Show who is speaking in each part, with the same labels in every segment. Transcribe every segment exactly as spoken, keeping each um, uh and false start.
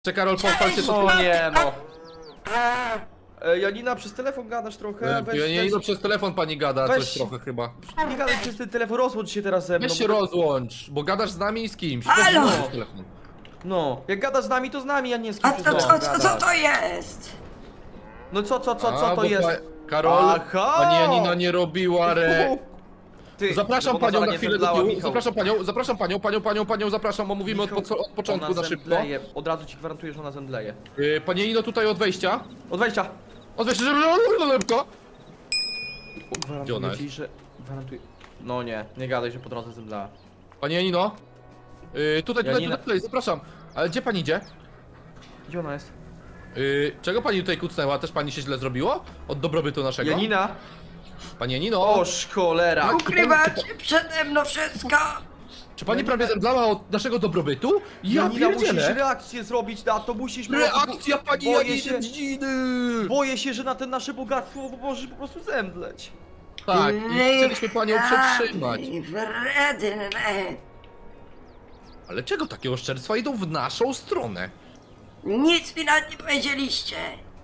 Speaker 1: Czy Karol, pochwal się
Speaker 2: O
Speaker 1: to.
Speaker 2: nie no. E, Janina, przez telefon gadasz trochę, weź,
Speaker 1: Ja nie
Speaker 2: weź,
Speaker 1: idę przez telefon pani gada,
Speaker 2: weź.
Speaker 1: coś trochę chyba.
Speaker 2: nie gadaj przez ten telefon, rozłącz się teraz ze mną.
Speaker 1: Weź się
Speaker 2: bo-
Speaker 1: rozłącz, bo gadasz z nami i z kimś.
Speaker 3: Halo!
Speaker 1: Weź przez telefon.
Speaker 2: No, jak gadasz z nami, to z nami, a nie z
Speaker 3: A
Speaker 2: kimś.
Speaker 3: to
Speaker 2: no,
Speaker 3: co, co, co
Speaker 2: gadasz.
Speaker 3: to jest?
Speaker 2: No co, co, co,
Speaker 1: A,
Speaker 2: co to
Speaker 1: bo
Speaker 2: jest?
Speaker 1: Pa... Karol,
Speaker 2: Aha!
Speaker 1: pani Janina nie robiła re...
Speaker 2: Ty,
Speaker 1: Zapraszam
Speaker 2: żeby ona
Speaker 1: panią
Speaker 2: zaraz
Speaker 1: na
Speaker 2: nie
Speaker 1: chwilę do
Speaker 2: zemdlała,
Speaker 1: tyłu,
Speaker 2: Michał.
Speaker 1: zapraszam panią, zapraszam panią, panią, panią, panią, zapraszam, bo mówimy od,
Speaker 2: Michał,
Speaker 1: poco- od początku
Speaker 2: ona
Speaker 1: na szybko.
Speaker 2: zemdleje. Od razu ci gwarantuję, że ona zemdleje.
Speaker 1: Yy, Pani Janino, tutaj od wejścia.
Speaker 2: Od wejścia.
Speaker 1: Od wejścia, szybko. Gdzie ona
Speaker 2: Gwarantuję ci, że... Gwarantuję... No nie, nie gadaj, że po drodze zemdlała.
Speaker 1: Pani Janino. Yy, tutaj, tutaj,
Speaker 2: Janina-
Speaker 1: tutaj, tutaj, zapraszam. Ale gdzie pani idzie?
Speaker 2: Gdzie ona jest?
Speaker 1: Yy, czego pani tutaj kucnęła? Też pani się źle zrobiło? Od dobrobytu naszego?
Speaker 2: Janina?
Speaker 1: Pani Janino.
Speaker 2: Oż cholera!
Speaker 3: Ukrywacie przede mną wszystko!
Speaker 1: Czy pani
Speaker 2: Janina-
Speaker 1: prawie zemdlała od naszego dobrobytu? Ja
Speaker 2: Janina, musisz
Speaker 1: pierdzielę!
Speaker 2: reakcję zrobić na to, musisz... po prostu-
Speaker 1: Reakcja pani
Speaker 2: boję
Speaker 1: Janiny
Speaker 2: się,
Speaker 1: Dziny!
Speaker 2: boję się, że na ten nasze bogactwo możesz po prostu zemdleć.
Speaker 1: Tak, i chcieliśmy panią przetrzymać.
Speaker 3: Wredne!
Speaker 1: Ale czego takie oszczerstwa idą w naszą stronę?
Speaker 3: Nic mi nawet nie powiedzieliście!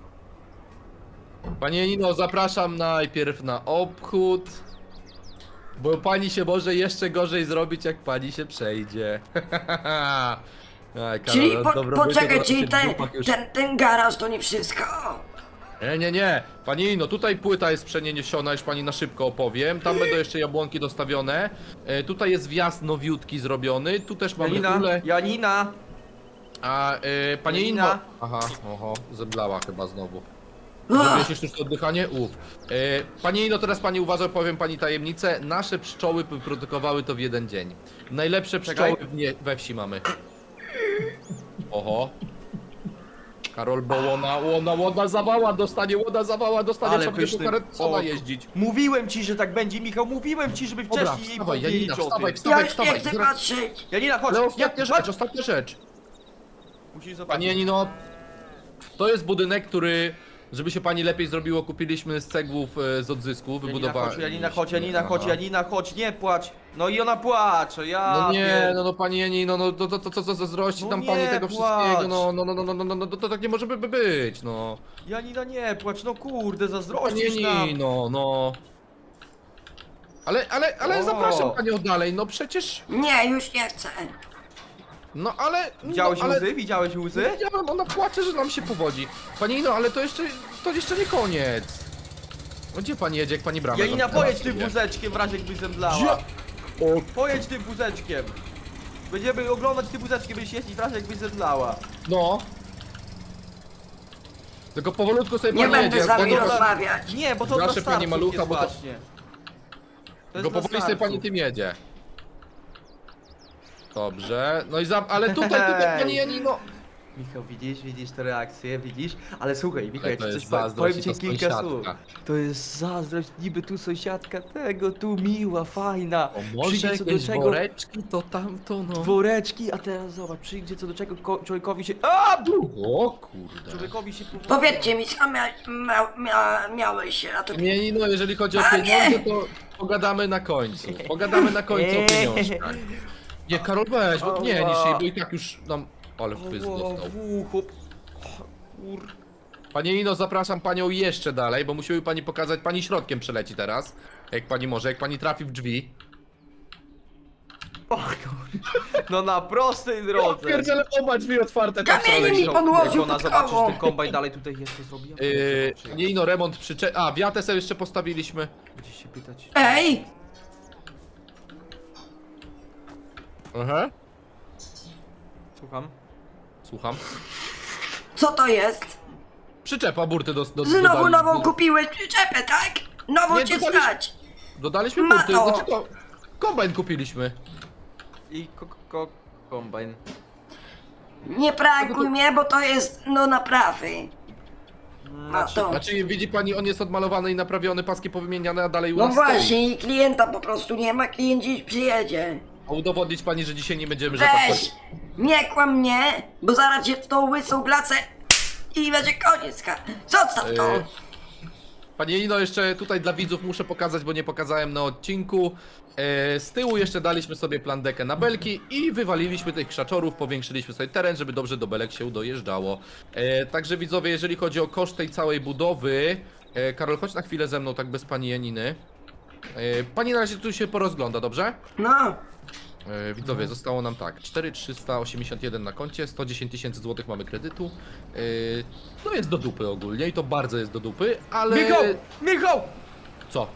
Speaker 1: Pani Janino, zapraszam najpierw na obchód. Bo pani się może jeszcze gorzej zrobić, jak pani się przejdzie. Aj, Karol,
Speaker 3: Czyli
Speaker 1: od
Speaker 3: po,
Speaker 1: dobrobytu
Speaker 3: poczekaj,
Speaker 1: to
Speaker 3: czyli
Speaker 1: się
Speaker 3: ten,
Speaker 1: dupak już-
Speaker 3: ten, ten garaż to nie wszystko?
Speaker 1: Nie, nie, nie. Pani Janino, tutaj płyta jest przeniesiona, już pani na szybko opowiem. Tam będą jeszcze jabłonki dostawione. E, tutaj jest wjazd nowiutki zrobiony. Tu też mamy
Speaker 2: Janina,
Speaker 1: kulę.
Speaker 2: Janina!
Speaker 1: A e, pani
Speaker 2: Janina.
Speaker 1: Janino... Aha, oho, zemdlała chyba znowu.
Speaker 3: Uch,
Speaker 1: Zrobiłeś już sztuczne oddychanie? Uf. E, pani Janino, teraz pani uważa, powiem pani tajemnicę. Nasze pszczoły wyprodukowały to w jeden dzień. Najlepsze pszczoły
Speaker 2: Czekaj.
Speaker 1: w nie, we wsi mamy. Oho. Karol, bo łona, łona, łona zawała dostanie, łona zawała dostanie,
Speaker 2: Ale
Speaker 1: trzeba będzie po
Speaker 2: pyszny.
Speaker 1: karetce sama
Speaker 2: O,
Speaker 1: jeździć.
Speaker 2: Mówiłem ci, że tak będzie, Michał, mówiłem ci, żeby
Speaker 1: Dobra,
Speaker 2: wcześniej jej
Speaker 1: wstawaj,
Speaker 2: powiedzieć
Speaker 1: Janina,
Speaker 2: o tym.
Speaker 1: wstawaj,
Speaker 3: ja
Speaker 1: wstawaj,
Speaker 3: już nie
Speaker 1: wstawaj.
Speaker 3: chcę
Speaker 1: Zaraz-
Speaker 3: patrzeć!
Speaker 2: Janina, chodź!
Speaker 1: Ale ostatnia
Speaker 2: nie,
Speaker 1: rzecz,
Speaker 2: chodź.
Speaker 1: ostatnia rzecz.
Speaker 2: Musisz zobaczyć.
Speaker 1: Pani Janino, to jest budynek, który, żeby się pani lepiej zrobiło, kupiliśmy z cegłów e, z odzysku,
Speaker 2: Janina,
Speaker 1: wybudowaliśmy.
Speaker 2: chodź, Janina, chodź, Janina, chodź,
Speaker 1: Aha.
Speaker 2: Janina, chodź, nie płacz! No i ona płacze, ja...
Speaker 1: No nie,
Speaker 2: pier-
Speaker 1: no, no pani Janino, no to, to, to co zazdrości
Speaker 2: No
Speaker 1: tam
Speaker 2: nie
Speaker 1: pani tego
Speaker 2: płacz.
Speaker 1: wszystkiego, no, no, no, no, no, no, no, no, to tak nie może by by być, no.
Speaker 2: Janina, nie płacz, no kurde,
Speaker 1: Pani
Speaker 2: zazdrościsz nam.
Speaker 1: Janino, no. Ale, ale, ale
Speaker 2: O.
Speaker 1: zapraszam panią dalej, no przecież,
Speaker 3: Nie, już nie chcę!
Speaker 1: no ale...
Speaker 2: Widziałeś
Speaker 1: no, ale...
Speaker 2: łzy? Widziałeś łzy?
Speaker 1: Wiedziałem, ona płacze, że nam się powodzi. Pani Janino, ale to jeszcze, to jeszcze nie koniec. No gdzie pani jedzie, jak pani bramę
Speaker 2: Janina,
Speaker 1: zamknęła
Speaker 2: pojedź tym
Speaker 1: sobie?
Speaker 2: wózeczkiem w razie jakbyś zemdlała.
Speaker 1: Gdzie? O,
Speaker 2: Pojedź tym wózeczkiem. Będziemy oglądać tym wózeczkiem, będziesz jeździć w razie jakbyś zemdlała.
Speaker 1: no. Tylko powolutku sobie
Speaker 3: Nie
Speaker 1: pani
Speaker 3: będę
Speaker 1: jedzie.
Speaker 3: z wami
Speaker 1: bo to-
Speaker 3: rozmawiać!
Speaker 2: Nie, bo to
Speaker 1: Proszę
Speaker 2: dla
Speaker 1: pani
Speaker 2: starców
Speaker 1: malucha,
Speaker 2: jest
Speaker 1: bo to-
Speaker 2: właśnie. To
Speaker 1: Tylko
Speaker 2: jest dla
Speaker 1: powoli sobie pani
Speaker 2: starców.
Speaker 1: tym jedzie. Dobrze, no i za... ale tutaj, tutaj pani Janino...
Speaker 2: Michał, widzisz, widzisz te reakcje, widzisz? Ale słuchaj, Michał,
Speaker 1: Ale
Speaker 2: jak
Speaker 1: to
Speaker 2: ci
Speaker 1: jest
Speaker 2: coś powiem,
Speaker 1: zazdrość
Speaker 2: powiem
Speaker 1: i
Speaker 2: ci
Speaker 1: to
Speaker 2: kilka
Speaker 1: sąsiadka.
Speaker 2: słów. To jest zazdrość, niby tu sąsiadka tego, tu miła, fajna.
Speaker 1: O, może
Speaker 2: Przyjdzie co do
Speaker 1: jakieś
Speaker 2: czego,
Speaker 1: woreczki, to tamto, no.
Speaker 2: woreczki, a teraz zobacz, przyjdzie co do czego ko- człowiekowi się... A!
Speaker 1: O kurde.
Speaker 2: Człowiekowi się powodzi.
Speaker 3: Powiedzcie mi, co mia, mia, mia, miałeś się na to...
Speaker 1: Nie, nie, no jeżeli chodzi o
Speaker 3: A,
Speaker 1: pieniądze,
Speaker 3: nie.
Speaker 1: to pogadamy na końcu. Pogadamy na końcu o pieniążkach. Nie, Karol, weź, bo nie, niż jej, bo i tak już nam... Ale wpysk
Speaker 2: O,
Speaker 1: dostał.
Speaker 2: w ucho. Kur...
Speaker 1: Panie Nino, zapraszam panią jeszcze dalej, bo musimy pani pokazać, pani środkiem przeleci teraz. Jak pani może, jak pani trafi w drzwi.
Speaker 2: O, kur... No na prostej drodze.
Speaker 1: Pierdziele, oba drzwi otwarte tam w
Speaker 3: Kamienie
Speaker 1: stronę
Speaker 3: mi
Speaker 1: idą.
Speaker 3: podłożył
Speaker 2: Jak ona
Speaker 3: pod
Speaker 2: zobaczy, że
Speaker 3: koło.
Speaker 2: ten kombajn dalej tutaj jest, to zrobi. Ja
Speaker 1: Yy,
Speaker 2: zobaczę, jak
Speaker 1: nie no, remont przycze... A, wiatę sobie jeszcze postawiliśmy.
Speaker 2: Będziesz się pytać.
Speaker 3: Ej!
Speaker 1: Aha.
Speaker 2: Słucham.
Speaker 1: Słucham.
Speaker 3: Co to jest?
Speaker 1: Przyczepa burty do... do
Speaker 3: Znowu
Speaker 1: dodali-
Speaker 3: nową
Speaker 1: do-
Speaker 3: kupiłeś przyczepę, tak? Nową
Speaker 1: Nie,
Speaker 3: cię
Speaker 1: dodaliśmy-
Speaker 3: stać!
Speaker 1: Dodaliśmy
Speaker 3: Mato.
Speaker 1: burty, znaczy to... Kombajn kupiliśmy.
Speaker 2: I ko ko kombajn.
Speaker 3: Nie prankuj mnie, bo to jest, no, naprawy.
Speaker 2: Znaczy,
Speaker 3: to.
Speaker 1: Znaczy, widzi pani, on jest odmalowany i naprawiony, paski powymieniane, a dalej u
Speaker 3: No
Speaker 1: nas stoi.
Speaker 3: właśnie, i klienta po prostu nie ma, klient dziś przyjedzie.
Speaker 1: A udowodnić pani, że dzisiaj nie będziemy rzepać.
Speaker 3: Weź! Nie kłam mnie, bo zaraz cię w tą łysą glacę i będzie koniec. ka- Zostaw to!
Speaker 1: Yy, Panie Ino, jeszcze tutaj dla widzów muszę pokazać, bo nie pokazałem na odcinku. E, z tyłu jeszcze daliśmy sobie plandekę na belki i wywaliliśmy tych krzaczorów, powiększyliśmy sobie teren, żeby dobrze do belek się dojeżdżało. E, także widzowie, jeżeli chodzi o koszt tej całej budowy, e, Karol, chodź na chwilę ze mną, tak bez pani Janiny. E, pani na razie tu się porozgląda, dobrze?
Speaker 3: No,
Speaker 1: E, widzowie, zostało nam tak, cztery tysiące trzysta osiemdziesiąt jeden na koncie, sto dziesięć tysięcy złotych mamy kredytu. E, no jest do dupy ogólnie i to bardzo jest do dupy, ale...
Speaker 2: Michał! Michał!
Speaker 1: Co?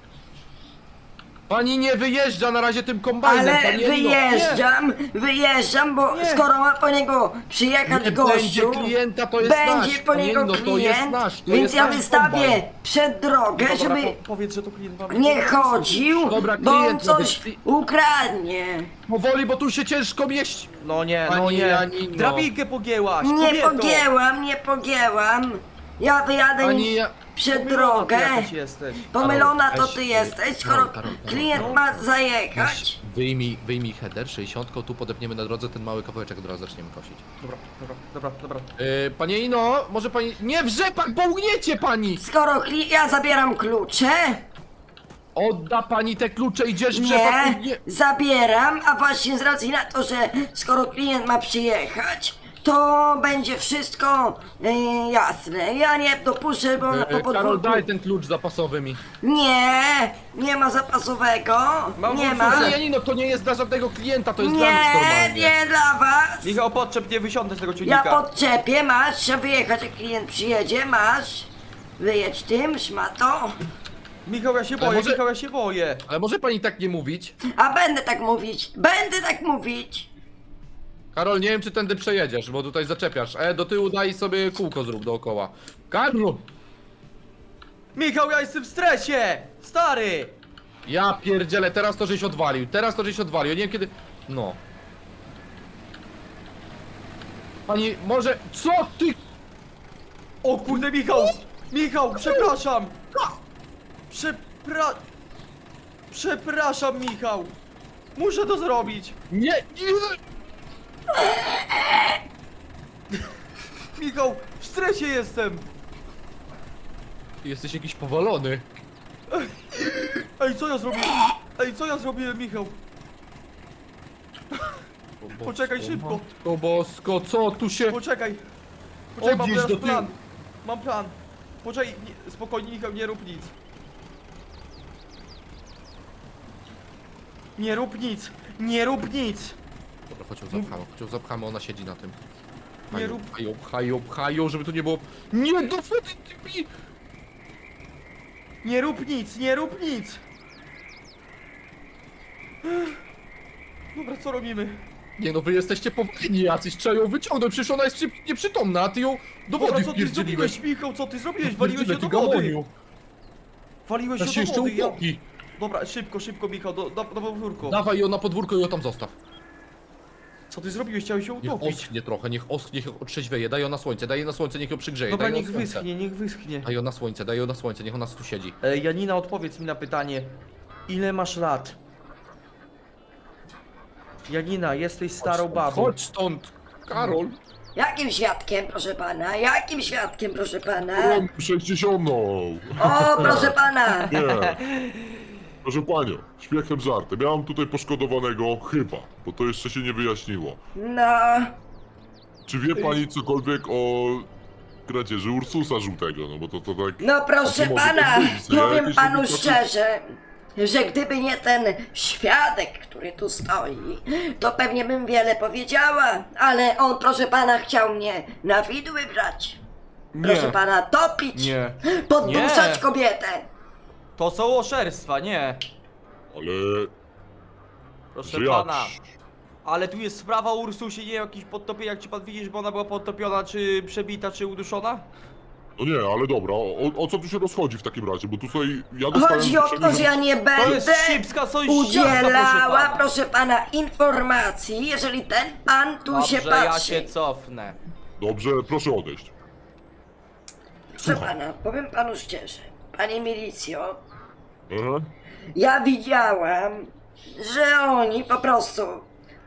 Speaker 1: Pani nie wyjeżdża na razie tym kombajnem,
Speaker 3: ale
Speaker 1: pani Janino.
Speaker 3: wyjeżdżam, wyjeżdżam, bo
Speaker 2: Nie.
Speaker 3: skoro ma po niego przyjechać
Speaker 1: Nie
Speaker 3: gościu,
Speaker 1: będzie klienta, to jest
Speaker 3: będzie
Speaker 1: nasz.
Speaker 3: po
Speaker 1: Pani
Speaker 3: niego
Speaker 1: Janino, to jest
Speaker 3: klient,
Speaker 1: nasz, to
Speaker 3: więc
Speaker 1: jest
Speaker 3: ja
Speaker 1: nasz
Speaker 3: wystawię
Speaker 1: kombajn.
Speaker 3: przed drogę,
Speaker 2: Dobra,
Speaker 3: żeby
Speaker 2: po, powiedz, że to klient mamy.
Speaker 3: nie chodził,
Speaker 1: Dobra,
Speaker 3: bo on
Speaker 1: klient ma
Speaker 3: coś
Speaker 1: być-
Speaker 3: ukradnie.
Speaker 1: Powoli, bo tu się ciężko mieści.
Speaker 2: No nie, no
Speaker 1: Pani
Speaker 2: nie.
Speaker 1: Janino.
Speaker 2: Drabinkę pogięłaś,
Speaker 3: Nie
Speaker 2: kobieto.
Speaker 3: pogięłam, nie pogięłam. Ja wyjadę
Speaker 1: Pani ja...
Speaker 3: przed
Speaker 2: Pomylona ty
Speaker 3: drogę.
Speaker 2: jakaś jesteś.
Speaker 3: Pomylona to
Speaker 1: Weź,
Speaker 3: ty
Speaker 1: y,
Speaker 3: jesteś, skoro
Speaker 1: Karol, Karol, Karol,
Speaker 3: klient
Speaker 1: Karol.
Speaker 3: ma zajechać.
Speaker 1: Wyjmij, wyjmij header, sześćdziesiątką, tu podepniemy na drodze ten mały kawałeczek, od razu zaczniemy kosić.
Speaker 2: Dobra, dobra, dobra, dobra.
Speaker 1: Yy, panie Ino, może pani... Nie w rzepak, bo ugniecie pani!
Speaker 3: Skoro kli- ja zabieram klucze,
Speaker 1: Odda pani te klucze, idziesz w rzepak,
Speaker 3: nie,
Speaker 1: ugnie...
Speaker 3: zabieram, a właśnie z racji na to, że skoro klient ma przyjechać, to będzie wszystko y, jasne. Ja nie dopuszczę, bo na po
Speaker 1: Yy, Karol,
Speaker 3: podwórku...
Speaker 1: daj ten klucz zapasowy mi.
Speaker 3: Nie, nie ma zapasowego,
Speaker 2: Mam
Speaker 3: nie
Speaker 2: włosy.
Speaker 3: ma.
Speaker 1: Panie Janino, to nie jest dla żadnego klienta, to jest dla nas
Speaker 3: Nie,
Speaker 1: normalnie.
Speaker 3: nie dla was.
Speaker 2: Michał, podczep, nie wysiądę z tego
Speaker 3: Ja
Speaker 2: ciągnika.
Speaker 3: podczepię, masz, trzeba wyjechać, jak klient przyjedzie, masz. Wyjedź tym, szmato.
Speaker 2: Michał, ja się
Speaker 1: Ale
Speaker 2: boję,
Speaker 1: może-
Speaker 2: Michał, ja się boję.
Speaker 1: Ale może pani tak nie mówić?
Speaker 3: A będę tak mówić, będę tak mówić.
Speaker 1: Karol, nie wiem czy tędy przejedziesz, bo tutaj zaczepiasz. E, do tyłu daj sobie kółko zrób dookoła. Karol!
Speaker 2: Michał, ja jestem w stresie! Stary!
Speaker 1: Ja pierdzielę, teraz to żeś odwalił, teraz to żeś odwalił, ja nie wiem kiedy... No. Pani, może... Co ty?
Speaker 2: O kurde, Michał! Michał, przepraszam! Przepra... Przepraszam, Michał! Muszę to zrobić!
Speaker 1: Nie, nie!
Speaker 2: Michał, w stresie jestem!
Speaker 1: Jesteś jakiś powalony.
Speaker 2: Ej, co ja zrobiłem? Ej, co ja zrobiłem, Michał?
Speaker 1: O
Speaker 2: Poczekaj,
Speaker 1: bosko,
Speaker 2: szybko.
Speaker 1: Matko bosko, co tu się...
Speaker 2: Poczekaj! Poczekaj, mam
Speaker 1: Odjedź
Speaker 2: teraz
Speaker 1: do tyłu.
Speaker 2: plan! Mam plan! Poczekaj, nie, spokojnie, Michał, nie rób nic! Nie rób nic! Nie rób nic!
Speaker 1: Dobra, chodź ją zapchamy, chodź ją zapchamy, ona siedzi na tym.
Speaker 2: Nie
Speaker 1: Pchają,
Speaker 2: rób-
Speaker 1: pchają, pchają, pchają, żeby tu nie było... Nie, do wody, ty mi...
Speaker 2: Nie rób nic, nie rób nic! Dobra, co robimy?
Speaker 1: Nie no, wy jesteście powinni jacyś, trzeba ją wyciągnąć, przecież ona jest przy... nieprzytomna, a ty ją do
Speaker 2: Dobra,
Speaker 1: wody
Speaker 2: co ty
Speaker 1: wpierdzieliłeś.
Speaker 2: zrobiłeś, Michał? Co ty zrobiłeś? Waliłeś
Speaker 1: Wpierdzielę
Speaker 2: się do
Speaker 1: ty
Speaker 2: wody!
Speaker 1: gamoniu.
Speaker 2: Waliłeś
Speaker 1: Teraz się
Speaker 2: się do
Speaker 1: jeszcze
Speaker 2: wody, ja...
Speaker 1: utopi.
Speaker 2: Dobra, szybko, szybko, Michał, do, do, do podwórko.
Speaker 1: Dawaj ją na podwórko i ją tam zostaw.
Speaker 2: Co ty zrobiłeś? Chciałeś się
Speaker 1: Niech
Speaker 2: utopić.
Speaker 1: oschnie trochę, niech oschnie, niech otrzeźwieje, daj ją na słońce, daj ją na słońce, niech ją przygrzeje,
Speaker 2: Dobra,
Speaker 1: daj ją
Speaker 2: niech
Speaker 1: na słońce.
Speaker 2: wyschnie, niech wyschnie.
Speaker 1: Daj ją na słońce, daj ją na słońce, niech ona tu siedzi.
Speaker 2: E, Janina, odpowiedz mi na pytanie. Ile masz lat? Janina, jesteś starą babą.
Speaker 1: Chodź stąd, Karol.
Speaker 3: Jakim świadkiem, proszę pana? Jakim świadkiem, proszę pana?
Speaker 4: sześćdziesiątą.
Speaker 3: O, proszę pana!
Speaker 4: Nie. Proszę panią, śmiechem żartem. Ja mam tutaj poszkodowanego chyba, bo to jeszcze się nie wyjaśniło.
Speaker 3: No,
Speaker 4: Czy wie pani cokolwiek o kradzieży Ursusa żółtego? No bo to, to tak...
Speaker 3: no proszę
Speaker 4: A to może
Speaker 3: pana,
Speaker 4: powiedzieć, co ja
Speaker 3: powiem
Speaker 4: jakieś
Speaker 3: panu
Speaker 4: indykacje-
Speaker 3: szczerze, że gdyby nie ten świadek, który tu stoi, to pewnie bym wiele powiedziała, ale on, proszę pana, chciał mnie na widły brać. Proszę pana, topić,
Speaker 2: Nie.
Speaker 3: podduszać
Speaker 2: Nie.
Speaker 3: kobietę.
Speaker 2: To są oszerstwa, nie.
Speaker 4: Ale...
Speaker 2: Proszę
Speaker 4: że jak?
Speaker 2: pana. Ale tu jest sprawa o Ursusie, nie jakiś podtopienie, jak ci pan widzi, żeby ona była podtopiona, czy przebita, czy uduszona?
Speaker 4: No nie, ale dobra, o, o co tu się rozchodzi w takim razie? Bo tutaj ja dostałem...
Speaker 3: Chodzi o to, że ja nie
Speaker 2: To jest
Speaker 3: będę
Speaker 2: szybska sąsiadka, proszę
Speaker 3: udzielała,
Speaker 2: pana.
Speaker 3: proszę pana, informacji, jeżeli ten pan tu się
Speaker 2: Dobrze, ja
Speaker 3: patrzy.
Speaker 2: się cofnę.
Speaker 4: Dobrze, proszę odejść.
Speaker 3: Proszę pana, powiem panu szczerze, panie milicjo,
Speaker 4: Aha.
Speaker 3: ja widziałam, że oni po prostu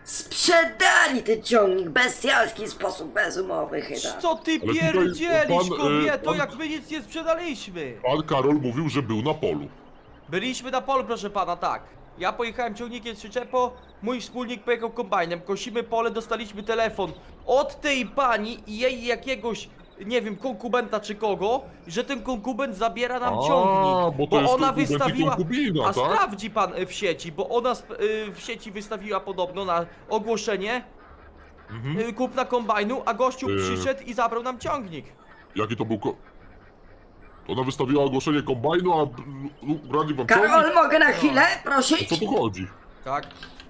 Speaker 3: sprzedali ten ciągnik w bestialski sposób, bezumowy chyba.
Speaker 2: Co ty
Speaker 4: tutaj
Speaker 2: pierdzielisz,
Speaker 4: pan, e,
Speaker 2: kobieto,
Speaker 4: pan-
Speaker 2: jak my nic nie sprzedaliśmy?
Speaker 4: Pan Karol mówił, że był na polu.
Speaker 2: Byliśmy na polu, proszę pana, tak. Ja pojechałem ciągnikiem z przyczepą, mój wspólnik pojechał kombajnem, kosimy pole, dostaliśmy telefon od tej pani i jej jakiegoś, nie wiem, konkubenta czy kogo, że ten konkubent zabiera nam
Speaker 4: A,
Speaker 2: ciągnik,
Speaker 4: bo to jest
Speaker 2: ona
Speaker 4: konkubent i
Speaker 2: wystawiła,
Speaker 4: konkubina,
Speaker 2: a
Speaker 4: tak?
Speaker 2: sprawdzi pan y, w sieci, bo ona sp- y, w sieci wystawiła podobno na ogłoszenie y, kupna kombajnu, a gościu
Speaker 4: Y.
Speaker 2: przyszedł i zabrał nam ciągnik.
Speaker 4: Jaki to był ko... To ona wystawiła ogłoszenie kombajnu, a b- brali wam
Speaker 3: Karol,
Speaker 4: ciągnik?
Speaker 3: mogę na chwilę
Speaker 4: O
Speaker 3: prosić?
Speaker 4: co tu chodzi?
Speaker 2: Tak?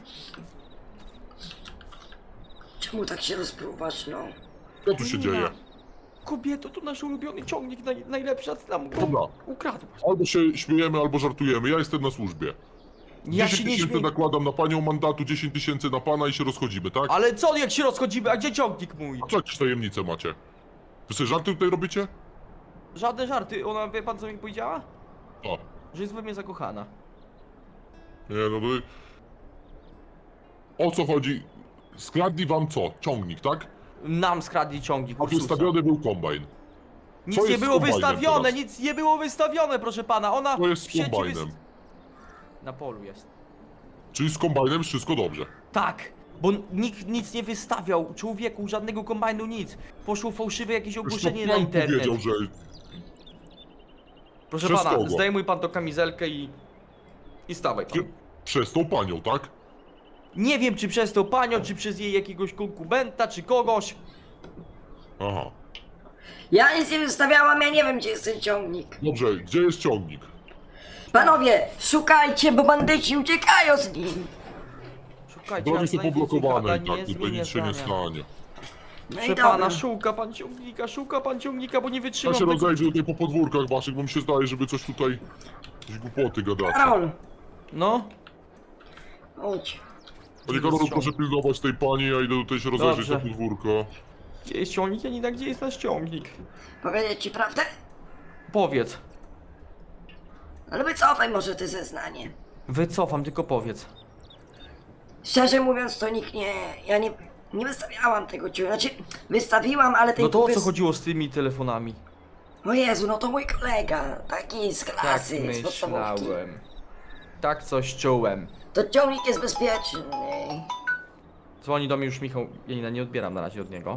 Speaker 3: Czemu tak się rozpruwasz, no?
Speaker 4: Co tu się dzieje?
Speaker 2: Kobieto, to nasz ulubiony ciągnik, naj, najlepszy, a ty nam go
Speaker 4: Dobra.
Speaker 2: ukradłaś.
Speaker 4: Albo się śmiejemy, albo żartujemy. Ja jestem na służbie.
Speaker 2: Ja się
Speaker 4: dziesięć
Speaker 2: nie
Speaker 4: tysięcy
Speaker 2: śmieję.
Speaker 4: nakładam na panią mandatu, dziesięć tysięcy na pana i się rozchodzimy, tak?
Speaker 2: Ale co, jak się rozchodzimy, a gdzie ciągnik mój?
Speaker 4: A co jakieś tajemnice macie? Wy sobie żarty tutaj robicie?
Speaker 2: Żadne żarty, ona, wie pan co mi powiedziała?
Speaker 4: O.
Speaker 2: Że jest we mnie zakochana.
Speaker 4: Nie no, wy... O co chodzi? Skradli wam co? Ciągnik, tak?
Speaker 2: Nam skradli ciągnik,
Speaker 4: A
Speaker 2: Ursusa.
Speaker 4: wystawiony był kombajn.
Speaker 2: Nic
Speaker 4: co
Speaker 2: nie
Speaker 4: jest z
Speaker 2: było
Speaker 4: kombajnem
Speaker 2: wystawione,
Speaker 4: teraz?
Speaker 2: nic nie było wystawione, proszę pana, ona
Speaker 4: To jest
Speaker 2: w
Speaker 4: z
Speaker 2: sieci
Speaker 4: kombajnem.
Speaker 2: wyst- Na polu jest.
Speaker 4: Czyli z kombajnem wszystko dobrze.
Speaker 2: Tak, bo nikt nic nie wystawiał, człowieku, żadnego kombajnu, nic. Poszło fałszywe jakieś
Speaker 4: Zresztą
Speaker 2: ogłoszenie na
Speaker 4: pan
Speaker 2: internet.
Speaker 4: powiedział, że...
Speaker 2: Proszę
Speaker 4: Przez
Speaker 2: pana,
Speaker 4: kogo?
Speaker 2: zdejmuj pan tą kamizelkę i... I stawaj pan.
Speaker 4: Przez tą panią, tak?
Speaker 2: Nie wiem, czy przez tą panią, czy przez jej jakiegoś konkubenta, czy kogoś.
Speaker 4: Aha.
Speaker 3: Ja nic nie wystawiałam, ja nie wiem, gdzie jest ten ciągnik.
Speaker 4: Dobrze, gdzie jest ciągnik?
Speaker 3: Panowie, szukajcie, bo bandyci uciekają z nim.
Speaker 2: Szukajcie,
Speaker 4: Drogi
Speaker 2: a
Speaker 4: są
Speaker 2: znajdziecie
Speaker 4: poblokowane
Speaker 2: gada,
Speaker 4: i tak, tutaj
Speaker 2: zmienię
Speaker 4: nic się nie
Speaker 2: zdania.
Speaker 4: stanie.
Speaker 3: No
Speaker 2: Proszę
Speaker 3: i dobra.
Speaker 2: pana, szuka pan ciągnika, szuka pan ciągnika, bo nie
Speaker 4: Ja
Speaker 2: wytrzymam
Speaker 4: się
Speaker 2: tego.
Speaker 4: rozejrzę tutaj po podwórkach waszych, bo mi się zdaje, że wy coś tutaj... Jakieś głupoty gadacie.
Speaker 3: Karol,
Speaker 2: No,
Speaker 3: chodź.
Speaker 4: Panie
Speaker 2: Gdzie jest
Speaker 4: Karolu, proszę pilnować tej pani, ja idę tutaj się rozejrzeć
Speaker 2: Dobrze.
Speaker 4: na podwórko.
Speaker 2: gdzie jest ciągnik, Janina, gdzie jest nasz ciągnik?
Speaker 3: Powiedzieć ci prawdę?
Speaker 2: Powiedz.
Speaker 3: Ale wycofaj może te zeznanie.
Speaker 2: Wycofam, tylko powiedz.
Speaker 3: Szczerze mówiąc, to nikt nie... Ja nie... Nie wystawiałam tego ciągnika. Znaczy, wystawiłam, ale ten
Speaker 2: No to o
Speaker 3: kupy
Speaker 2: co
Speaker 3: z-
Speaker 2: chodziło z tymi telefonami?
Speaker 3: O Jezu, no to mój kolega. Taki z
Speaker 2: Tak
Speaker 3: klasy, z podstawówki.
Speaker 2: myślałem. Tak coś czułem.
Speaker 3: To ciągnik jest bezpieczny.
Speaker 2: Dzwoni do mnie już Michał. Janina, nie odbieram na razie od niego.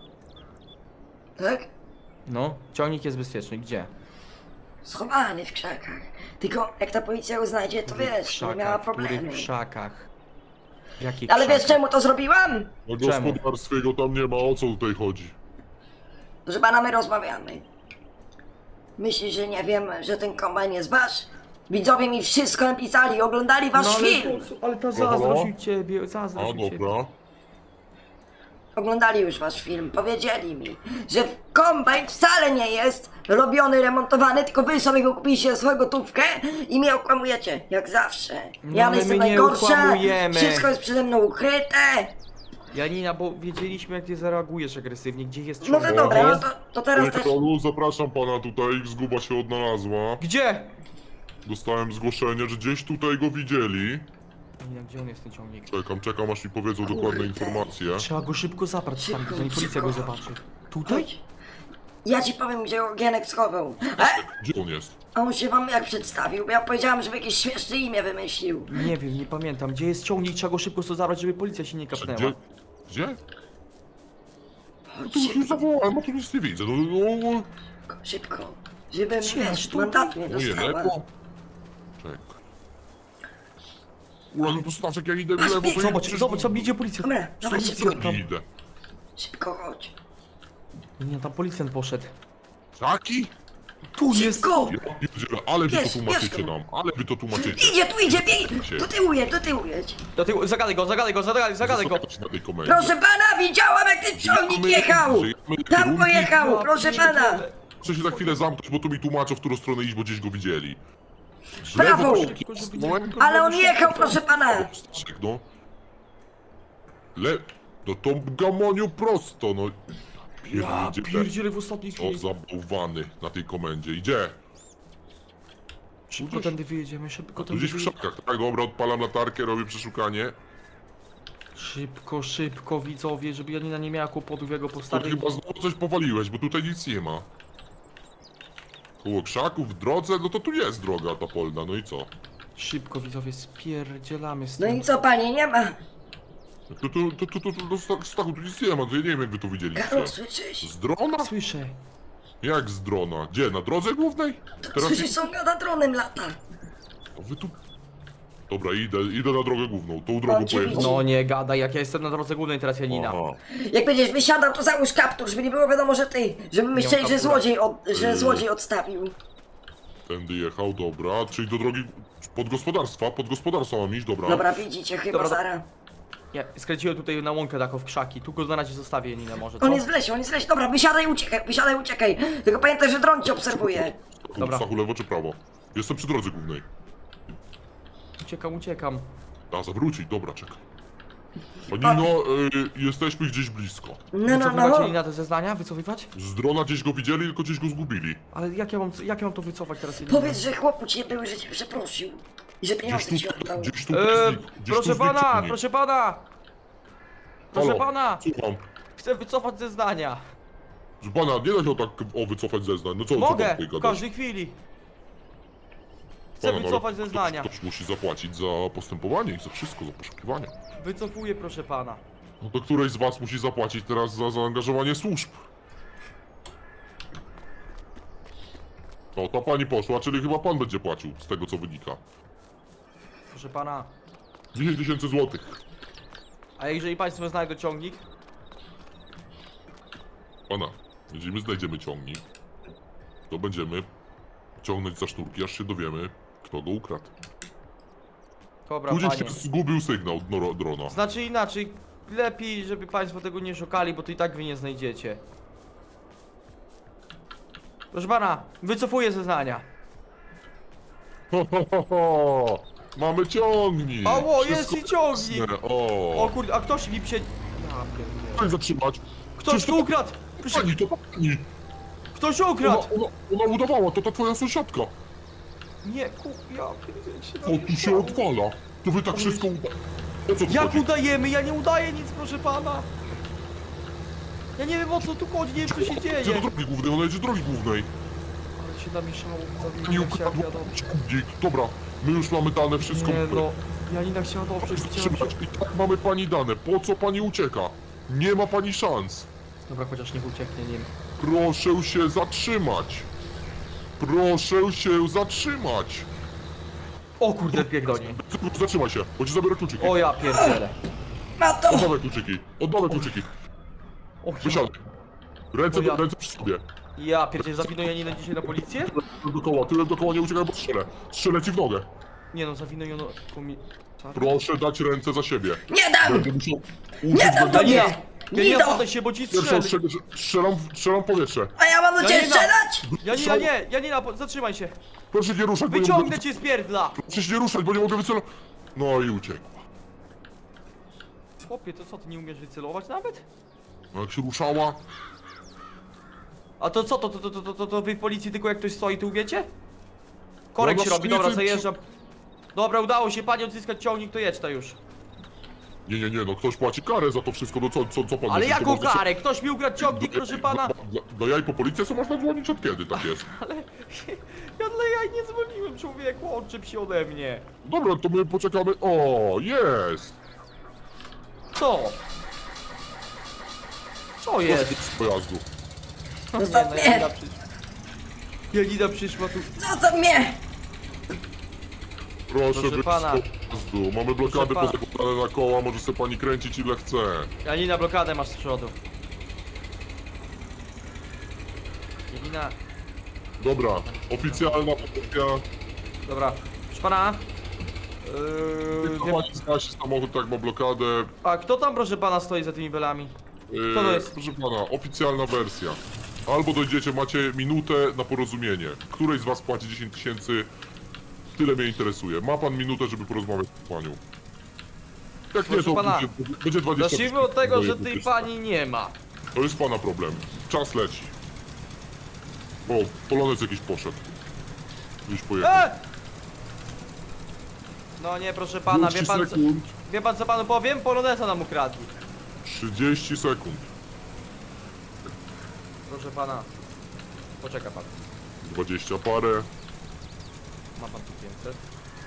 Speaker 3: Tak?
Speaker 2: No, ciągnik jest bezpieczny. Gdzie?
Speaker 3: Schowany w krzakach. Tylko jak ta policja go znajdzie, to
Speaker 2: W
Speaker 3: wiesz, nie miała
Speaker 2: w
Speaker 3: problemu.
Speaker 2: których krzakach? W jakich
Speaker 3: Ale wiesz
Speaker 2: krzakach?
Speaker 3: czemu to zrobiłam?
Speaker 4: Na
Speaker 2: Czemu?
Speaker 4: gospodarstwie go tam nie ma, o co tutaj chodzi?
Speaker 3: Proszę pana, my rozmawiamy. Myślisz, że nie wiem, że ten kombajn jest wasz? Widzowie mi wszystko napisali, oglądali wasz
Speaker 2: No, ale,
Speaker 3: film.
Speaker 2: po- ale ta
Speaker 4: Halo?
Speaker 2: zazdrość u ciebie,
Speaker 4: A,
Speaker 2: zazdrość u ciebie.
Speaker 4: dobra.
Speaker 3: Oglądali już wasz film, powiedzieli mi, że kombajn wcale nie jest robiony, remontowany, tylko wy sobie go kupiliście za swoją gotówkę i mnie okłamujecie, jak zawsze.
Speaker 2: No,
Speaker 3: ja
Speaker 2: ale
Speaker 3: jestem
Speaker 2: my nie
Speaker 3: najgorsza,
Speaker 2: okłamujemy.
Speaker 3: wszystko jest przede mną ukryte.
Speaker 2: Janina, bo wiedzieliśmy jak ty zareagujesz agresywnie, gdzie jest
Speaker 3: No
Speaker 2: ciągnik?
Speaker 3: to dobra, no
Speaker 2: Jest-
Speaker 3: to, to teraz
Speaker 4: Panie
Speaker 3: też...
Speaker 4: Karolu, zapraszam pana tutaj, zguba się odnalazła.
Speaker 2: Gdzie?
Speaker 4: Dostałem zgłoszenie, że gdzieś tutaj go widzieli.
Speaker 2: Janina, gdzie on jest ten ciągnik?
Speaker 4: Czekam, czekam aż mi powiedzą dokładne informacje.
Speaker 2: Trzeba go szybko zabrać
Speaker 3: Szybko,
Speaker 2: tam, zanim policja
Speaker 3: szybko.
Speaker 2: go zobaczy. Tutaj?
Speaker 3: Chodź. Ja ci powiem, gdzie go Gienek schował. E?
Speaker 4: Gdzie on jest?
Speaker 3: A on się wam jak przedstawił? Bo ja powiedziałam, żeby jakieś śmieszne imię wymyślił.
Speaker 2: Nie wiem, nie pamiętam. Gdzie jest ciągnik? Trzeba go szybko stąd zabrać, żeby policja się nie
Speaker 4: Gdzie?
Speaker 2: kapnęła.
Speaker 4: Gdzie?
Speaker 3: Chodź
Speaker 4: Tu już nie
Speaker 3: szybko,
Speaker 4: zawołałem, a tu nic nie widzę. No, no, no.
Speaker 3: szybko. Żebym,
Speaker 2: Gdzie?
Speaker 3: wiesz,
Speaker 2: Tutaj?
Speaker 3: mandatu nie
Speaker 4: Moje
Speaker 3: dostała.
Speaker 4: lewo. Czekaj. Ula, no to Staszek, ja idę w lewo, to
Speaker 2: Zobacz,
Speaker 4: idę-
Speaker 2: zobacz, tam idzie policja.
Speaker 3: Dobra, dawaj
Speaker 4: Co
Speaker 3: szybko.
Speaker 4: tam idę?
Speaker 3: Szybko chodź.
Speaker 2: Nie, tam policjant poszedł.
Speaker 4: Taki?
Speaker 2: Tu jest!
Speaker 3: Szybko!
Speaker 4: Ja pierdzielę, ale wy to
Speaker 3: Bierz,
Speaker 4: tłumaczycie
Speaker 3: bierz go.
Speaker 4: nam, ale wy to tłumaczycie.
Speaker 3: Idzie, tu idzie, bieg!
Speaker 4: Gdzie?
Speaker 3: Do tyłu jedź, do tyłu jedź.
Speaker 2: Do tyłu, zagadaj go, zagadaj go, zagadaj, zagadaj go!
Speaker 4: Zostawiać na tej komendzie.
Speaker 3: Proszę pana, widziałam jak ten ciągnik
Speaker 4: Żyjemy-
Speaker 3: jechał!
Speaker 4: żyjemy
Speaker 3: Tam
Speaker 4: kierunki.
Speaker 3: pojechał, proszę pana!
Speaker 4: Muszę się na chwilę zamknąć, bo tu mi tłumaczą, w którą stronę iść, bo gdzieś go widzieli. W
Speaker 3: Prawo!
Speaker 4: lewo, no,
Speaker 3: Ale on jechał, proszę pana!
Speaker 4: Staszek, no. Le... No to gamoniu prosto, no.
Speaker 2: Ja
Speaker 4: Pierdzielę.
Speaker 2: pierdzielę w ostatniej
Speaker 4: O,
Speaker 2: chwili.
Speaker 4: zabałwany na tej komendzie. Idzie.
Speaker 2: Szybko tędy wyjedziemy, szybko
Speaker 4: Tu
Speaker 2: tędy
Speaker 4: gdzieś w
Speaker 2: wyjedziemy.
Speaker 4: szopkach. Tak, dobra, odpalam latarkę, robię przeszukanie.
Speaker 2: Szybko, szybko, widzowie, żeby Janina nie miała kłopotów, jak go
Speaker 4: To
Speaker 2: postawię.
Speaker 4: chyba znowu coś powaliłeś, bo tutaj nic nie ma. Koło krzaków, w drodze, no to tu jest droga ta polna, no i co?
Speaker 2: Szybko, widzowie, spierdzielamy
Speaker 3: No
Speaker 2: stąd.
Speaker 3: i co, panie, nie ma?
Speaker 4: Tu, tu, tu, tu, tu, tu, tu, Stachu, tu nic nie ma, to ja nie wiem jak wy to widzieliście.
Speaker 3: Karol, słyszysz?
Speaker 4: Z drona?
Speaker 2: Słyszę.
Speaker 4: Jak z drona? Gdzie, na drodze głównej? Teraz
Speaker 3: Słyszysz, są gada dronem lata.
Speaker 4: A wy tu... Dobra, idę, idę na drogę główną, tą drogą
Speaker 3: Oczywiście.
Speaker 4: pojedę.
Speaker 2: No nie gadaj, jak ja jestem na drodze głównej teraz, Janina.
Speaker 4: Aha.
Speaker 3: Jak będziesz wysiadał, to załóż kaptur, żeby nie było wiadomo, że ty, żeby myśleli, że
Speaker 2: kaptura.
Speaker 3: złodziej, od, że
Speaker 4: Yy.
Speaker 3: złodziej odstawił.
Speaker 4: Tędy jechał, dobra, czyli do drogi pod gospodarstwa, pod gospodarstwa mam iść, dobra.
Speaker 3: Dobra, widzicie, chyba
Speaker 2: Dobra, do-
Speaker 3: Zara.
Speaker 2: Nie, skręciłem tutaj na łąkę taką w krzaki. Tu go na razie zostawię, Janina, może, co?
Speaker 3: On jest w lesie, on jest w lesie. Dobra, wysiadaj, uciekaj, wysiadaj, uciekaj. Tylko pamiętaj, że dron cię obserwuje.
Speaker 2: Dobra.
Speaker 4: Stachu, lewo czy prawo? Jestem przy drodze głównej.
Speaker 2: Uciekam, uciekam.
Speaker 4: A, zawrócić, dobra, czekaj. Panino, y, jesteśmy gdzieś blisko.
Speaker 3: No, no,
Speaker 2: Wycofywać
Speaker 3: no.
Speaker 2: Janina te zeznania? Wycofywać?
Speaker 4: Z drona gdzieś go widzieli, tylko gdzieś go zgubili.
Speaker 2: Ale jak ja mam, jak ja mam to wycofać teraz, Janina?
Speaker 3: Powiedz, że chłopu cię były, że cię przeprosił. I że
Speaker 4: Gdzieś
Speaker 3: pieniądze
Speaker 4: tu,
Speaker 3: ci oddał.
Speaker 4: gdzieś tu,
Speaker 2: Eee,
Speaker 4: gdzieś tu
Speaker 2: proszę
Speaker 4: znikł
Speaker 2: pana,
Speaker 4: ciągnik.
Speaker 2: proszę pana! Proszę
Speaker 4: Halo,
Speaker 2: pana!
Speaker 4: Słucham.
Speaker 2: Chcę wycofać zeznania.
Speaker 4: Że pana, nie da się tak o wycofać zeznań. No co, co
Speaker 2: Mogę,
Speaker 4: pan tutaj
Speaker 2: w
Speaker 4: gadasz?
Speaker 2: każdej chwili. Chcę
Speaker 4: Pana, no, ale
Speaker 2: wycofać zeznania.
Speaker 4: Ktoś, ktoś musi zapłacić za postępowanie i za wszystko, za poszukiwania.
Speaker 2: Wycofuję, proszę pana.
Speaker 4: No to któreś z was musi zapłacić teraz za zaangażowanie służb. No, ta pani poszła, czyli chyba pan będzie płacił, z tego co wynika.
Speaker 2: Proszę pana.
Speaker 4: dziesięć tysięcy złotych.
Speaker 2: A jeżeli państwo znajdą ciągnik?
Speaker 4: Pana, jeżeli my znajdziemy ciągnik, to będziemy ciągnąć za sznurki, aż się dowiemy, kto go ukradł.
Speaker 2: Dobra,
Speaker 4: Tu gdzieś
Speaker 2: panie.
Speaker 4: się zgubił sygnał noro- drona.
Speaker 2: Znaczy inaczej, lepiej, żeby państwo tego nie szukali, bo to i tak wy nie znajdziecie. Proszę pana, wycofuję zeznania.
Speaker 4: Ho, ho, ho, ho. Mamy ciągnik!
Speaker 2: Ało, jest
Speaker 4: Wszystko
Speaker 2: i ciągnik!
Speaker 4: jasne. O!
Speaker 2: O kurde, a ktoś mi prze... Ja pierdolę.
Speaker 4: Pani zatrzymać!
Speaker 2: Ktoś
Speaker 4: Przecież
Speaker 2: tu
Speaker 4: to
Speaker 2: ukradł! Proszę,
Speaker 4: Pani, to pani!
Speaker 2: ktoś
Speaker 4: Ona,
Speaker 2: ukradł!
Speaker 4: ona, ona udawała, to ta twoja sąsiadka!
Speaker 2: Nie, ku... ja pierdolę się
Speaker 4: O, tu się
Speaker 2: namieszało.
Speaker 4: odwala! To wy tak wszystko uda... O co tu
Speaker 2: Jak
Speaker 4: chodzi?
Speaker 2: udajemy? Ja nie udaję nic, proszę pana! Ja nie wiem o co tu chodzi, nie wiem co się
Speaker 4: Idzie
Speaker 2: dzieje.
Speaker 4: do drogi głównej, ona jedzie do drogi głównej.
Speaker 2: Ale się namieszało,
Speaker 4: Pani
Speaker 2: Janina chciała
Speaker 4: ukradła
Speaker 2: wiadomo.
Speaker 4: ciągnik. Dobra, my już mamy dane, wszystko.
Speaker 2: Nie no, Janina chciała dobrze, chciała się...
Speaker 4: Trzymać. I tak mamy pani dane. Po co pani ucieka? Nie ma pani szans.
Speaker 2: Dobra, chociaż niech ucieknie, nie wiem.
Speaker 4: Proszę się zatrzymać. Proszę się zatrzymać.
Speaker 2: O kurde, wbieg do niej.
Speaker 4: Zatrzymaj się, bo ci zabiorę kluczyki.
Speaker 2: O ja pierdzielę.
Speaker 3: Ma to!
Speaker 4: Oddawaj kluczyki. Oddawaj kluczyki.
Speaker 2: O ja,
Speaker 4: Wysiadaj. Ręce,
Speaker 2: O ja.
Speaker 4: ręce przy sobie.
Speaker 2: ja pierdzielę, zawinę Janinę dzisiaj na policję?
Speaker 4: Tyłem dookoła, tyłem dookoła, nie uciekaj, bo strzelę. Strzelę ci w nogę.
Speaker 2: Nie no, zawinę ją komi...
Speaker 4: Proszę dać ręce za siebie.
Speaker 3: Nie dam!
Speaker 4: Będę musiał
Speaker 3: Nie
Speaker 4: użyć
Speaker 3: dam
Speaker 4: będę...
Speaker 3: tobie!
Speaker 2: Janina! Janina,
Speaker 3: Nido!
Speaker 2: poddaj się, bo ci
Speaker 4: Pierwszą
Speaker 2: strzelę!
Speaker 4: strzelę, strzelam, w- strzelam w powietrze.
Speaker 3: A ja mam do ciebie
Speaker 2: Janina!
Speaker 3: strzelać?
Speaker 2: Janina, nie! Janina, po- zatrzymaj się!
Speaker 4: Proszę nie ruszać, bo nie
Speaker 2: Wyciągnę
Speaker 4: mogę...
Speaker 2: cię z pierdla!
Speaker 4: Proszę się nie ruszać, bo nie mogę wycelować. No i uciekła.
Speaker 2: Chłopie, to co, ty nie umiesz wycelować nawet?
Speaker 4: No jak się ruszała...
Speaker 2: A to co, to, to, to, to, to, to wy w policji tylko jak ktoś stoi, tu wiecie? Korek
Speaker 4: No,
Speaker 2: się
Speaker 4: no,
Speaker 2: robi, dobra,
Speaker 4: szkicy-
Speaker 2: zajeżdżam. Dobra, udało się pani odzyskać ciągnik, to jedź to już.
Speaker 4: Nie, nie, nie, no ktoś płaci karę za to wszystko, no co, co, co pan...
Speaker 2: Ale
Speaker 4: myśli, że
Speaker 2: jaką
Speaker 4: można się-
Speaker 2: karę? Ktoś mi ukradł ciągnik,
Speaker 4: Do-
Speaker 2: proszę pana!
Speaker 4: Do, do, do jaj po policję, co można dzwonić od kiedy tak jest?
Speaker 2: Ale ja dla jaj nie dzwoniłem, człowieku, odczep się ode mnie.
Speaker 4: Dobra, to my poczekamy... O, jest!
Speaker 2: Co? Co jest?
Speaker 4: Z pojazdu.
Speaker 3: Zostaw mnie!
Speaker 2: Janina przyszła. Janina przyszła tu.
Speaker 3: Zostaw mnie!
Speaker 4: Proszę,
Speaker 2: Proszę
Speaker 4: być
Speaker 2: pana.
Speaker 4: z pojazdu. Mamy blokady
Speaker 2: pana.
Speaker 4: pozakładane na koła, może sobie pani kręcić ile chce.
Speaker 2: Janina, blokadę masz z przodu. Janina,
Speaker 4: Dobra, oficjalna wersja.
Speaker 2: dobra. Proszę pana. Yy,
Speaker 4: Tylko
Speaker 2: wie,
Speaker 4: pani zgasi samochód, tak ma blokadę.
Speaker 2: a kto tam, proszę pana, stoi za tymi belami?
Speaker 4: Yy,
Speaker 2: Co to jest?
Speaker 4: Proszę pana, oficjalna wersja. Albo dojdziecie, macie minutę na porozumienie. Której z was płaci dziesięć tysięcy? Tyle mnie interesuje. Ma pan minutę, żeby porozmawiać z panią. Jak nie,
Speaker 2: Proszę
Speaker 4: to
Speaker 2: pana,
Speaker 4: będzie, będzie dwadzieścia
Speaker 2: Zacznijmy od tego, że tej
Speaker 4: tysięcy.
Speaker 2: pani nie ma.
Speaker 4: To jest pana problem. Czas leci. O, polonez jakiś poszedł. Gdzieś pojechał.
Speaker 2: E! No nie, proszę pana, wie
Speaker 4: trzydzieści
Speaker 2: pan co...
Speaker 4: sekund.
Speaker 2: Wie pan co panu powiem? Poloneza nam ukradli.
Speaker 4: trzydzieści sekund.
Speaker 2: Proszę pana. Poczeka pan.
Speaker 4: dwadzieścia parę.
Speaker 2: Ma pan tu pięćset.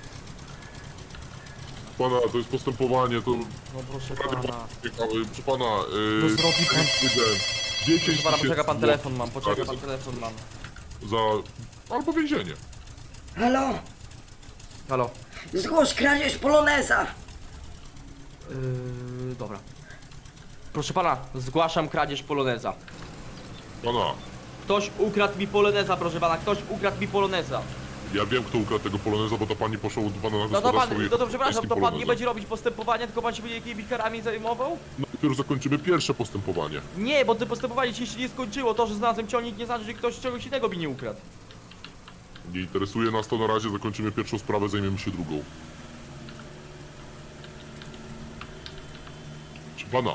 Speaker 4: Pana, to jest postępowanie, to...
Speaker 2: No proszę
Speaker 4: Rady
Speaker 2: pana.
Speaker 4: Ciekawe, proszę pana,
Speaker 2: No
Speaker 4: yy,
Speaker 2: zrobi pan.
Speaker 4: dziesięć
Speaker 2: Proszę pana, poczeka pan
Speaker 4: tysięcy
Speaker 2: telefon mam,
Speaker 4: złotych
Speaker 2: poczeka
Speaker 4: kary
Speaker 2: pan telefon mam.
Speaker 4: Za... albo więzienie.
Speaker 3: Halo?
Speaker 2: Halo.
Speaker 3: Zgłoś kradzież poloneza.
Speaker 2: Yy, dobra. Proszę pana, zgłaszam kradzież poloneza.
Speaker 4: Pana,
Speaker 2: Ktoś ukradł mi poloneza, proszę pana, ktoś ukradł mi poloneza.
Speaker 4: ja wiem, kto ukradł tego poloneza, bo ta pani poszła do pana na
Speaker 2: No to
Speaker 4: gospodarstwo
Speaker 2: pan,
Speaker 4: i-
Speaker 2: no to przepraszam,
Speaker 4: jest
Speaker 2: to pan
Speaker 4: poloneza.
Speaker 2: nie będzie robić postępowania, tylko pan się będzie jakimiś karami zajmował?
Speaker 4: No dopiero zakończymy pierwsze postępowanie.
Speaker 2: Nie, bo to postępowanie się jeszcze nie skończyło. To, że znalazłem ciągnik nie znaczy, że ktoś czegoś innego mi nie ukradł.
Speaker 4: Nie interesuje nas to na razie, zakończymy pierwszą sprawę, zajmiemy się drugą. Czy pana,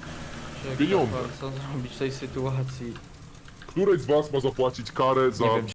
Speaker 4: Pieniądze.
Speaker 2: Co zrobić w tej sytuacji?
Speaker 4: któreś z was ma zapłacić karę za
Speaker 2: Nie wiem,